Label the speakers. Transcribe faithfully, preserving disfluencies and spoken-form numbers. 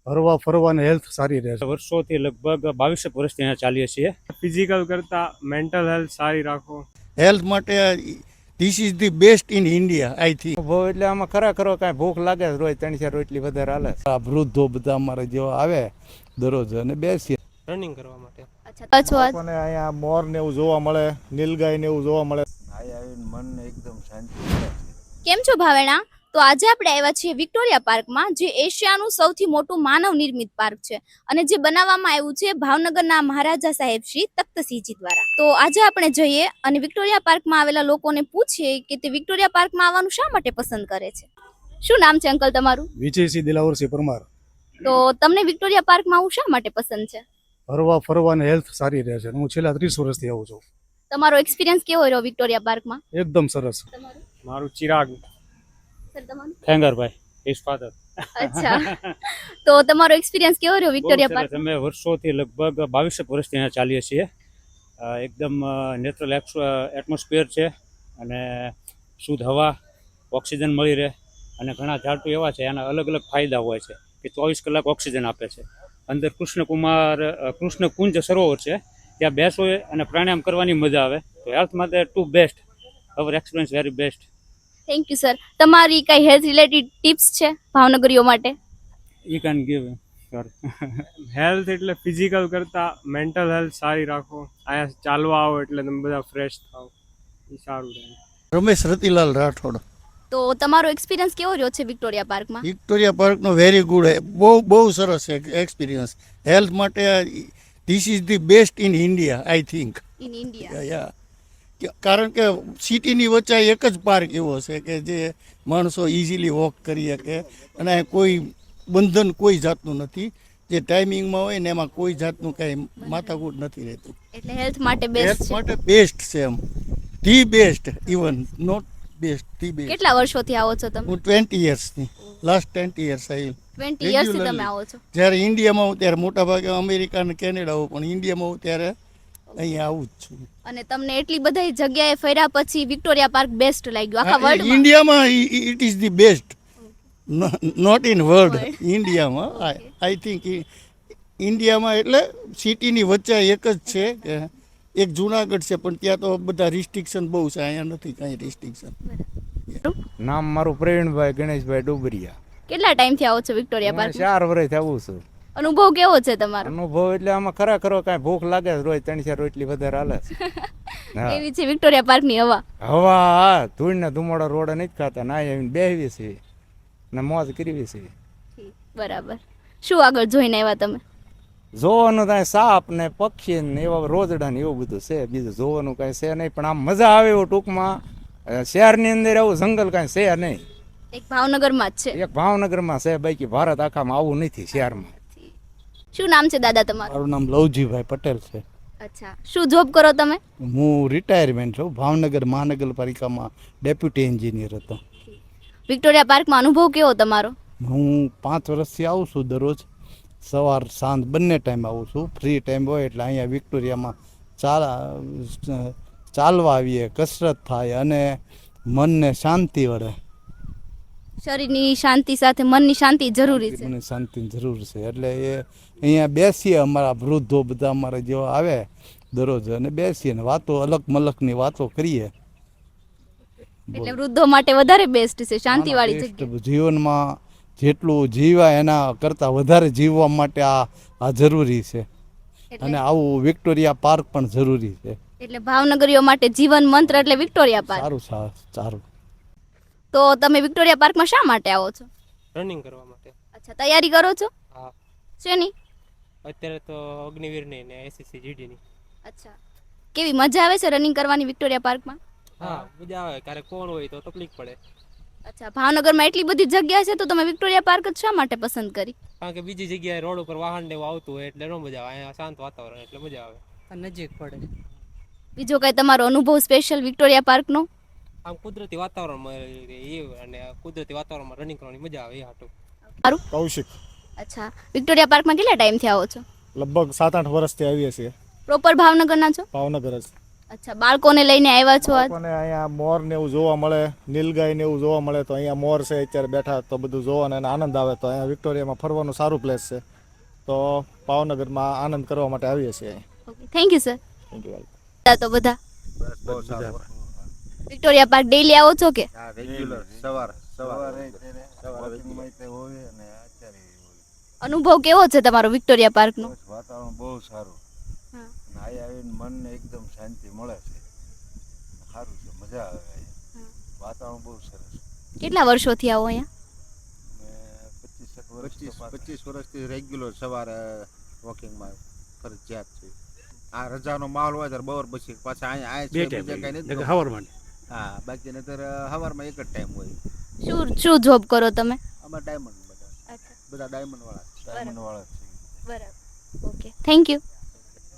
Speaker 1: હરવા ફરવાની હેલ્થ સારી રહે છે.
Speaker 2: વર્ષોથી લગભગ બાવીસ વર્ષથી અહીંયા ચાલીએ છીએ.
Speaker 3: ફિઝિકલ કરતા મેન્ટલ હેલ્થ સારી રાખો.
Speaker 1: હેલ્થ માટે this is the best in India I think.
Speaker 4: બહુ એટલે આમાં ખરેખર કાંઈ ભૂખ લાગે રોજ ત્રણ ચાર રોટલી વધારે હાલે. આ વૃદ્ધો બધા અમારે જેવા આવે દરરોજ અને બેસીએ
Speaker 3: રનિંગ કરવા માટે.
Speaker 5: લોકોને અહીંયા મોર ને એવું જોવા મળે, નીલગાય ને એવું જોવા મળે.
Speaker 4: અહીં આવીને મનને એકદમ શાંતિ મળે.
Speaker 6: કેમ છો ભાવેણા? તો આજે આપણે આવ્યા છીએ વિક્ટોરિયા પાર્કમાં, જે એશિયાનું સૌથી મોટું માનવ નિર્મિત પાર્ક છે અને જે બનાવવામાં આવ્યું છે ભાવનગરના મહારાજા સાહેબ શ્રી તખ્તસિંહજી દ્વારા. તો આજે આપણે જઈએ અને વિક્ટોરિયા પાર્કમાં આવેલા લોકોને પૂછીએ કે તે વિક્ટોરિયા પાર્કમાં આવવાનું શા માટે પસંદ કરે છે. શું નામ છે અંકલ તમારું?
Speaker 1: વિજયસિંહ દિલાવરસિંહ પરમાર.
Speaker 6: તો તમને વિક્ટોરિયા પાર્કમાં આવવું શા માટે પસંદ છે?
Speaker 1: હરવા ફરવાની હેલ્થ સારી રહે છે. હું છેલ્લા ત્રીસ વર્ષથી આવું છું.
Speaker 6: તમારો એક્સપિરિયન્સ કેવો રહ્યો વિક્ટોરિયા પાર્કમાં?
Speaker 1: એકદમ સરસ.
Speaker 3: મારું ચિરાગ.
Speaker 6: સર તમારું?
Speaker 2: Khengarbhai his father.
Speaker 6: અચ્છા, તો તમારો એક્સપિરિયન્સ કેવો રહ્યો વિક્ટોરિયા પાર્ક?
Speaker 2: અમે વર્ષોથી લગભગ બાવીસ વર્ષથી અહીંયા ચાલીએ છીએ. એકદમ નેચરલ એટમોસ્ફિયર છે અને શુદ્ધ હવા, ઓક્સિજન મળી રહે અને ઘણા ઝાડુ એવા છે એના અલગ અલગ ફાયદા હોય છે કે ચોવીસ કલાક ઓક્સિજન આપે છે. અંદર કૃષ્ણકુમાર કૃષ્ણ કુંજ સરોવર છે, ત્યાં બેસો અને પ્રાણાયામ કરવાની મજા આવે. તો હેલ્થ માટે to best, our experience very best.
Speaker 6: Thank you sir. તમારી કઈ હેલ્થ રિલેટેડ ટિપ્સ છે ભાવનગરીઓ માટે?
Speaker 2: You can give.
Speaker 3: હેલ્થ એટલે ફિઝિકલ કરતા મેન્ટલ હેલ્થ સારી રાખો. અહીંયા ચાલવા આવો એટલે તમે બધા ફ્રેશ થાઓ, એ સારું રહે.
Speaker 1: રમેશ રતિલાલ રાઠોડ.
Speaker 6: તો તમારો એક્સપિરિયન્સ કેવો રહ્યો છે વિક્ટોરિયા પાર્કમાં?
Speaker 1: વિક્ટોરિયા પાર્કનો વેરી ગુડ, બહુ બહુ સરસ એક્સપિરિયન્સ. હેલ્થ માટે this is the best in India I think.
Speaker 6: In India?
Speaker 1: યા કારણ કે સિટીની વચ્ચે એક જ પાર્ક એવો છે કે જે માણસો ઇઝીલી વોક કરી શકે અને કોઈ બંધન કોઈ જાતનું નથી. જે ટાઈમિંગમાં હોય ને એમાં કોઈ જાતનું કાંઈ માથાકૂટ નથી રહેતું.
Speaker 6: એટલે હેલ્થ માટે બેસ્ટ
Speaker 1: હેલ્થ
Speaker 6: છે.
Speaker 1: માટે બેસ્ટ છે એમ, the best, even not best, the best.
Speaker 6: કેટલા વર્ષોથી આવો છો તમે?
Speaker 1: હું ટ્વેન્ટી યર્સની લાસ્ટ ટ્વેન્ટી યર્સ આવી.
Speaker 6: ટ્વેન્ટી યર્સથી તમે આવો છો?
Speaker 1: જ્યારે ઇન્ડિયામાં હું ત્યારે મોટા ભાગે અમેરિકા અને કેનેડા હોઉં, પણ ઇન્ડિયામાં હું ત્યારે અહીંયા આવું જ છું.
Speaker 6: અને તમને એટલી બધી જગ્યાએ ફર્યા પછી વિક્ટોરિયા પાર્ક બેસ્ટ લાગ્યું આખા વર્લ્ડમાં?
Speaker 1: ઇન્ડિયામાં it is the best, not in world. ઇન્ડિયામાં આઈ થિંક ઇન્ડિયામાં એટલે સિટીની વચ્ચે એક જ છે કે એક જુનાગઢ છે, પણ ત્યાં તો બધા રિસ્ટ્રિક્શન બહુ છે, અહીંયા નથી કાંઈ રિસ્ટ્રિક્શન.
Speaker 4: નામ મારું પ્રવીણભાઈ ગણેશભાઈ ડુબરિયા.
Speaker 6: કેટલા ટાઈમથી આવો છો વિક્ટોરિયા પાર્ક?
Speaker 4: ચાર વર્ષથી આવું છું.
Speaker 6: અનુભવ કેવો છે તમારો?
Speaker 4: અનુભવ એટલે આમાં ખરેખર કાંઈ ભૂખ લાગે રોજ ત્રણ ચાર રોટલી વધારે હાલે.
Speaker 6: કેવી છે વિક્ટોરિયા પાર્કની હવા?
Speaker 4: હવા હા, ધૂળ ને ધુમાડો રોડે નથી ખાતા, ના આવીને બેહવી છે ને મોજ કરવી છે.
Speaker 6: બરાબર. શું આગળ જોઈને આવ્યા તમે?
Speaker 4: જોવાનું કાંઈ સાપ ને પક્ષી ને એવા રોજડા ને એવું બધું છે, બીજું જોવાનું કાંઈ છે નહીં. પણ આમ મજા આવે એવું ટૂંકમાં. શહેરની અંદર આવું જંગલ કાંઈ છે નહીં.
Speaker 6: એક ભાવનગરમાં જ છે?
Speaker 4: એક ભાવનગરમાં છે, બાકી ભારત આખામાં આવું નથી શહેરમાં.
Speaker 6: શું નામ છે દાદા તમારું?
Speaker 1: મારું નામ લવજીભાઈ પટેલ છે.
Speaker 6: અચ્છા, શું જોબ કરો તમે?
Speaker 1: હું રિટાયરમેન્ટ છું, ભાવનગર મહાનગરપાલિકામાં ડેપ્યુટી એન્જિનિયર હતો.
Speaker 6: વિક્ટોરિયા પાર્કમાં અનુભવ કેવો તમારો?
Speaker 1: હું પાંચ વર્ષથી આવું છું, દરરોજ સવાર સાંજ બંને ટાઈમ આવું છું. ફ્રી ટાઈમ હોય એટલે અહીંયા વિક્ટોરિયામાં ચાલ ચાલવા આવીએ, કસરત થાય અને મનને શાંતિ વળે.
Speaker 6: શરીરની શાંતિ સાથે મનની શાંતિ જરૂરી છે.
Speaker 1: મને શાંતિની જરૂર છે એટલે એ અહીંયા બેસીએ, અમારા વૃદ્ધો બધા અમારા જેવા આવે દરરોજ અને બેસીએ ને વાતો અલગ મલકની વાતો કરીએ.
Speaker 6: એટલે વૃદ્ધો માટે વધારે બેસ્ટ છે, શાંતિવાળી જગ્યા.
Speaker 1: જીવનમાં જેટલું જીવાય એના કરતાં વધારે જીવવા માટે આ આ જરૂરી છે અને આવું વિક્ટોરિયા પાર્ક પણ જરૂરી છે.
Speaker 6: એટલે ભાવનગરીઓ માટે જીવન મંત્ર એટલે વિક્ટોરિયા પાર્ક.
Speaker 1: સારું સારું.
Speaker 6: તો તમે વિક્ટોરિયા પાર્કમાં શા માટે આવો છો?
Speaker 3: રનિંગ કરવા માટે.
Speaker 6: અચ્છા, તૈયારી કરો છો?
Speaker 3: હા.
Speaker 6: શેની?
Speaker 3: અત્યારે તો અગ્નિવીરની ને એસએસસી જીડીની.
Speaker 6: અચ્છા, કેવી મજા આવે છે રનિંગ કરવાની વિક્ટોરિયા પાર્કમાં?
Speaker 3: હા, મજા આવે. ક્યારેક કોણ હોય તો તકલીફ પડે.
Speaker 6: અચ્છા, ભાવનગરમાં એટલી બધી જગ્યા છે તો તમે વિક્ટોરિયા પાર્ક જ શા માટે પસંદ કરી?
Speaker 3: કારણ કે બીજી જગ્યાએ રોડ ઉપર વાહન ને એવું આવતું હોય એટલે ન મજા આવે. અહીંયા શાંત વાતાવરણ એટલે મજા આવે, નજીક પડે.
Speaker 6: બીજો કઈ તમારો અનુભવ સ્પેશિયલ વિક્ટોરિયા પાર્કનો?
Speaker 3: આમ કુદરતી વાતાવરણમાં એ અને કુદરતી વાતાવરણમાં રનિંગ કરવાની મજા આવે એ હાટું.
Speaker 6: સારું.
Speaker 5: કૌશિક.
Speaker 6: અચ્છા, વિક્ટોરિયા પાર્કમાં કેટલા ટાઈમથી આવો છો?
Speaker 5: લગભગ સાત આઠ વર્ષથી આવીએ છીએ.
Speaker 6: પ્રોપર ભાવનગરના છો?
Speaker 5: ભાવનગર જ.
Speaker 6: અચ્છા, બાળકોને લઈને આવ્યા છો આજ?
Speaker 5: લોકોને અહીંયા મોર ને એવું જોવા મળે, નીલગાય ને એવું જોવા મળે, તો અહીંયા મોર છે અત્યારે બેઠા, તો બધું જોવાને એને આનંદ આવે. તો અહીંયા વિક્ટોરિયામાં ફરવાનું સારું પ્લેસ છે, તો ભાવનગરમાં આનંદ કરવા માટે આવીએ છીએ અહીં.
Speaker 6: Okay, thank you sir.
Speaker 5: Thank you.
Speaker 6: તો બધા વિક્ટોરિયા પાર્ક ડેઈલી આવો છો કે?
Speaker 7: હા રેગ્યુલર સવાર સવારે વોકિંગમાં તે હોય અને અત્યારે હોય.
Speaker 6: અનુભવ કેવો છે તમારો વિક્ટોરિયા પાર્કનો?
Speaker 7: વાતાવરણ બહુ સારું.
Speaker 6: હા.
Speaker 7: અને અહીં આવીને મનને એકદમ શાંતિ મળે છે. સારું છે, મજા આવે અહીંયા. વાતાવરણ બહુ સરસ.
Speaker 6: કેટલા વર્ષોથી આવો અહીંયા?
Speaker 7: અને પચીસ વર્ષ પચીસ વર્ષથી રેગ્યુલર સવારે વોકિંગમાં ફરજિયાત છે. આ રજાનો માહોલ હોય ત્યારે બપોર પછી પાછા અહીંયા આયા છે બીજા કઈ નથી.
Speaker 2: હવારમાં
Speaker 7: હા બાકી નતર સવારમાં એક જ ટાઈમ હોય.
Speaker 6: શું શું જોબ કરો તમે?
Speaker 7: આમાં ડાયમંડ બધા બધા ડાયમંડ વાળા ડાયમંડ વાળા છે.
Speaker 6: બરાબર. Okay, thank you.